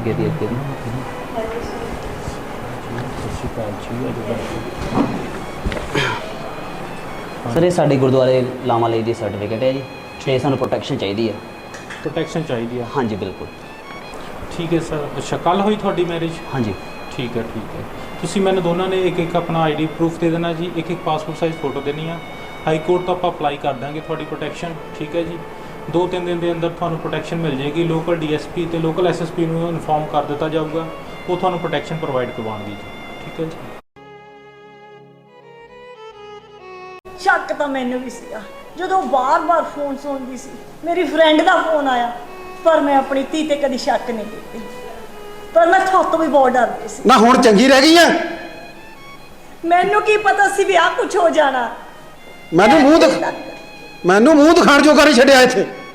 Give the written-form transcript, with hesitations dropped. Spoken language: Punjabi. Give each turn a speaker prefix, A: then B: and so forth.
A: ਅੱਗੇ ਦੀ ਸਤਿ ਸ਼੍ਰੀ ਅਕਾਲ ਜੀ। ਸਰ ਇਹ ਸਾਡੇ ਗੁਰਦੁਆਰੇ ਲਾਵਾਂ ਲਈ ਦੀ ਸਰਟੀਫਿਕੇਟ ਹੈ ਜੀ ਤੇ ਸਾਨੂੰ ਪ੍ਰੋਟੈਕਸ਼ਨ ਚਾਹੀਦੀ ਹੈ।
B: ਪ੍ਰੋਟੈਕਸ਼ਨ ਚਾਹੀਦੀ ਆ?
A: ਹਾਂਜੀ ਬਿਲਕੁਲ।
B: ਠੀਕ ਹੈ ਸਰ। ਅੱਛਾ, ਕੱਲ੍ਹ ਹੋਈ ਤੁਹਾਡੀ ਮੈਰਿਜ?
A: ਹਾਂਜੀ।
B: ਠੀਕ ਹੈ ਠੀਕ ਹੈ। ਤੁਸੀਂ ਮੈਨੂੰ ਦੋਨਾਂ ਨੇ ਇੱਕ ਇੱਕ ਆਪਣਾ ਆਈਡੀ ਪ੍ਰੂਫ ਦੇ ਦੇਣਾ ਜੀ, ਇੱਕ ਇੱਕ ਪਾਸਪੋਰਟ ਸਾਈਜ਼ ਫੋਟੋ ਦੇਣੀ ਆ। ਹਾਈ ਕੋਰਟ ਤੋਂ ਆਪਾਂ ਅਪਲਾਈ ਕਰ ਦਾਂਗੇ ਤੁਹਾਡੀ ਪ੍ਰੋਟੈਕਸ਼ਨ, ਠੀਕ ਹੈ ਜੀ। 2-3 ਦਿਨ ਦੇ ਅੰਦਰ ਤੁਹਾਨੂੰ ਪ੍ਰੋਟੈਕਸ਼ਨ ਮਿਲ ਜਾਏਗੀ। ਲੋਕਲ ਡੀਐਸਪੀ ਤੇ ਲੋਕਲ ਐਸਐਸਪੀ ਨੂੰ ਇਨਫੋਰਮ ਕਰ ਦਿੱਤਾ ਜਾਊਗਾ, ਉਹ ਤੁਹਾਨੂੰ ਪ੍ਰੋਟੈਕਸ਼ਨ ਪ੍ਰੋਵਾਈਡ ਕਰਵਾਉਣਗੇ ਜੀ, ਠੀਕ ਹੈ ਜੀ।
C: ਸ਼ੱਕ ਤਾਂ ਮੈਨੂੰ ਵੀ ਸੀਗਾ ਜਦੋਂ ਬਾਰ-ਬਾਰ ਫੋਨ ਸੁਣਦੀ ਸੀ। ਮੇਰੀ ਫਰੈਂਡ ਦਾ ਫੋਨ ਆਇਆ, ਪਰ ਮੈਂ ਆਪਣੀ ਧੀ ਤੇ ਕਦੀ ਸ਼ੱਕ ਨਹੀਂ ਕੀਤੀ। ਪਰ ਮੈਂ ਤੁਹਾਤੋਂ ਵੀ ਬਹੁਤ ਡਰਦੀ ਸੀ।
D: ਨਾ ਹੁਣ ਚੰਗੀ ਰਹਿ ਗਈ ਆ?
C: ਮੈਨੂੰ ਕੀ ਪਤਾ ਸੀ ਵੀ ਆਹ ਕੁਝ ਹੋ ਜਾਣਾ।
D: ਮੈਨੂੰ ਮੂੰਹ ਦਿਖਾਣ ਜੋਗਾ ਨਹੀਂ ਛੱਡਿਆ ਇੱਥੇ।